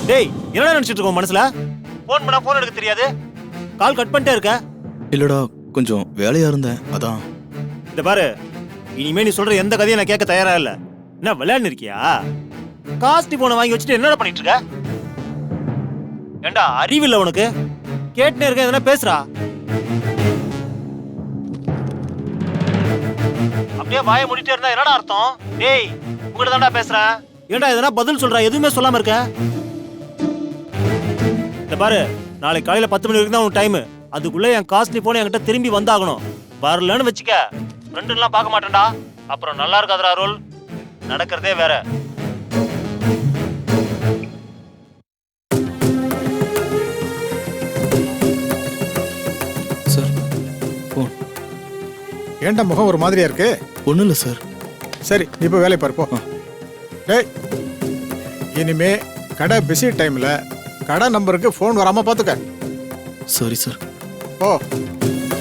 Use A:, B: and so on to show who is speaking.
A: டேய் என்ன நினைச்சிட்டு இருக்கோம் மனசுல? போன் பண்ணா போன் எடுக்க தெரியாது, கால் கட் பண்ணிட்டே இருக்க.
B: இல்லடா கொஞ்சம் வேலையா இருந்தேன் அதான்.
A: இந்த பாரு, இனிமே நீ சொல்ற எந்த கதையும் நான் கேட்க தயாரா இல்ல. என்ன விளையாண்டு இருக்கியா? காஸ்ட்லி போனை வாங்கி வச்சுட்டு என்னடா பண்ணிட்டு இருக்க? ஏண்டா அறிவில்ல உனக்கு? கேட்டுனே இருக்க, எதனா பேசுறா. அப்படியே வாயை மூடிட்டே இருந்தா என்னடா அர்த்தம்? டேய் உங்ககிட்ட தான்டா பேசுறேன். ஏண்டா எதனா பதில் சொல்றா, எதுவுமே சொல்லாம இருக்க. இந்த பாரு, நாளைக்கு காலையில 10 மணி வரைக்கும் தான் உனக்கு டைம். அதுக்குள்ள என் காஸ்ட்லி போன் என்கிட்ட திரும்பி வந்தாகணும். வரலன்னு வச்சுக்க, ஃப்ரெண்டுலாம் பார்க்க மாட்டேன்டா. அப்புறம் நல்லா இருக்காதுடா ரோல். நடக்கிறதே வேற.
B: Sir phone.
C: ஏன்டா முகம் ஒரு மாதிரியா இருக்கு?
B: ஒன்றும் இல்லை சார்.
C: சரி நீ இப்போ வேலையை பாரு போ. டேய் இனிமே கடை பிஸி டைம்ல கடை நம்பருக்கு ஃபோன் வராம பார்த்துக்க.
B: Sorry sir.
C: ஓ